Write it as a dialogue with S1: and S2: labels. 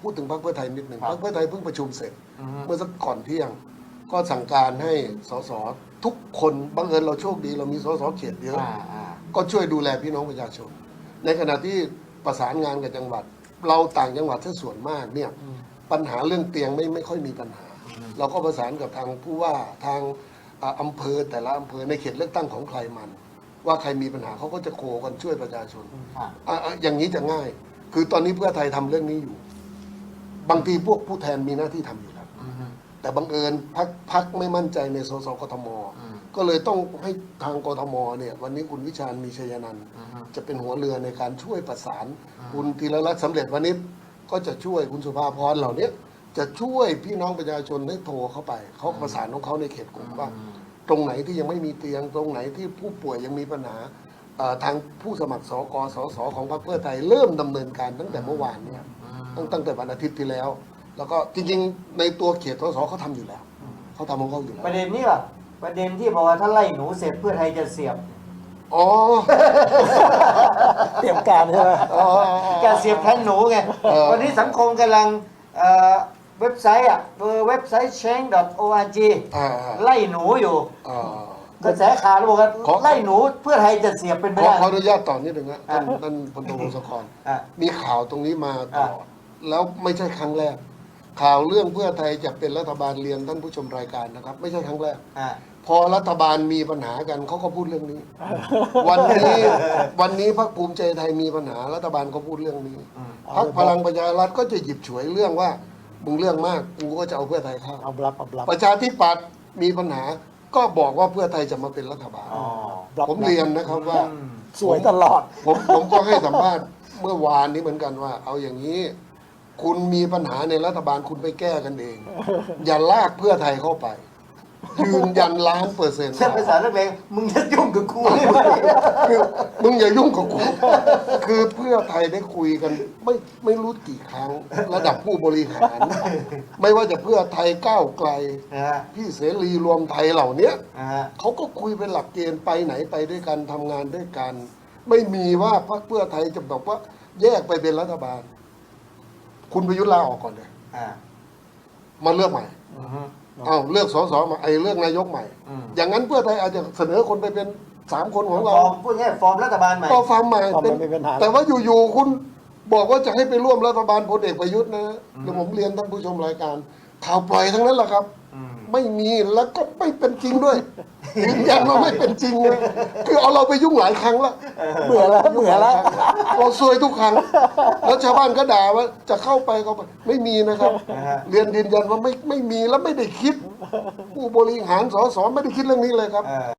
S1: พูดถึงพรรคเพื่อไทยนิดหนึ่งพรรคเพื่อไทยเพิ่งประชุมเสร็จเมื่อสักก่อนเที่ยงก็สั่งการให้สสทุกคนบังเอิญเราโชคดีเรามีสสเขตเยอะก็ช่วยดูแลพี่น้องประชาชนในขณะที่ประสานงานกับจังหวัดเราต่างจังหวัดที่ส่วนมากเนี่ยปัญหาเรื่องเตียงไม่ค่อยมีปัญหาเราก็ประสานกับทางผู้ว่าทางอำเภอแต่ละอำเภอในเขตเลือกตั้งของใครมันว่าใครมีปัญหาเขาก็จะโคกันช่วยประชาชนอย่างนี้จะง่ายคือตอนนี้เพื่อไทยทำเรื่องนี้อยู่บางทีพวกผู้แทนมีหน้าที่ทำอยู่แล้วแต่บังเอิญพักไม่มั่นใจในสสกทมก็เลยต้องให้ทางกทมเนี่ยวันนี้คุณวิชาญมีชัยนันท์จะเป็นหัวเรือในการช่วยประสานคุณธีรรัตน์สำเร็จวณิชก็จะช่วยคุณสุภาพรเหล่านี้จะช่วยพี่น้องประชาชนได้โทรเข้าไปเขาประสานของเขาในเขตกลุ่มว่าตรงไหนที่ยังไม่มีเตียงตรงไหนที่ผู้ป่วยยังมีปัญหาทางผู้สมัครสกสสของพรรคเพื่อไทยเริ่มดำเนินการตั้งแต่เมื่อวานเนี่ยตั้งแต่วันอาทิตย์ที่แล้วแล้วก็จริงๆในตัวเขตสสเขาทำอยู่แล้วเขาทำของเขาอยู่แล้ว
S2: ประเด็นนี้ป่ะประเด็นที่บอกว่าถ้าไล่หนูเสร็จเพื่อไทยจะเสียบ
S1: อ๋อ
S3: เตรียมการใช่ไหม
S2: การเสียบแทนหนูไงวันนี้สังคมกำลังเว็บไซต์เว็บไซต์ change.org ไล่หนูอยู่กระแสข่าวบอกว่าไล่หนูเพื่อไทยจะเสียบเป็นไปได้
S1: ขออนุญาตต่อนิดหนึ่งนะท่านพลโทวงศกรมีข่าวตรงนี้มาตลอดแล้วไม่ใช่ครั้งแรกข่าวเรื่องเพื่อไทยจะเป็นรัฐบาลเรียนท่านผู้ชมรายการนะครับไม่ใช่ครั้งแรกพอรัฐบาลมีปัญหากันเขาก็พูดเรื่องนี้วันนี้พรรคภูมิใจไทยมีปัญหารัฐบาลก็พูดเรื่องนี้พรรคพลังประชารัฐก็จะหยิบฉวยเรื่องว่ามึงเรื่องมากกูก็จะเอาเพื่อไทยเข้าประชาธิปัตย์มีปัญหาก็บอกว่าเพื่อไทยจะมาเป็นรัฐบาลผมเรียนนะครับว่า
S3: สวยตลอด
S1: ผมก็ให้สัมภาษณ์เมื่อวานนี้เหมือนกันว่าเอาอย่างนี้คุณมีปัญหาในรัฐบาลคุณไปแก้กันเองอย่าลากเพื่อไทยเข้าไปยืนยัน1,000,000%
S2: เช่นภาษานักเลงมึงจะยุ่งกับกู
S1: คือมึงอย่ายุ่งกับกูคือเพื่อไทยได้คุยกันไม่รู้กี่ครั้งระดับผู้บริหารไม่ว่าจะเพื่อไทยก้าวไกลพี่เสรีรวมไทยเหล่านี้เขาก็คุยเป็นหลักเกณฑ์ไปไหนไปด้วยกันทำงานด้วยกันไม่มีว่าพรรคเพื่อไทยจะบอกว่าแยกไปเป็นรัฐบาลคุณประยุทธ์ลาออกก่อนเลยมาเลือกใหม่เลือกสสมาเลือกนายกใหม่อย่างนั้นเพื่อไทยอาจจะเสนอคนไปเป็น3 คนของเรา
S2: พูดง่ายฟอร์มรัฐบาลใหม่
S1: ก็ฟอร์มใหม่แต่ว่าอยู่ๆคุณบอกว่าจะให้ไปร่วมรัฐบาลพลเอกประยุทธ์นะเดี๋ยวผมเรียนท่านผู้ชมรายการข่าวปล่อยทั้งนั้นแหละครับไม่มีแล้วก็ไม่เป็นจริงด้วยยืนยันว่าไม่เป็นจริงเลยคือเอาเราไปยุ่งหลายครั้งแล้ว
S3: เบื่อแล้ว
S1: เราซวยทุกครั้งแล้วชาวบ้านก็ด่าว่าจะเข้าไปไม่มีนะครับเรียนยืนยันว่าไม่มีแล้วไม่ได้คิดผู้บริหารสสไม่ได้คิดเรื่องนี้เลยครับ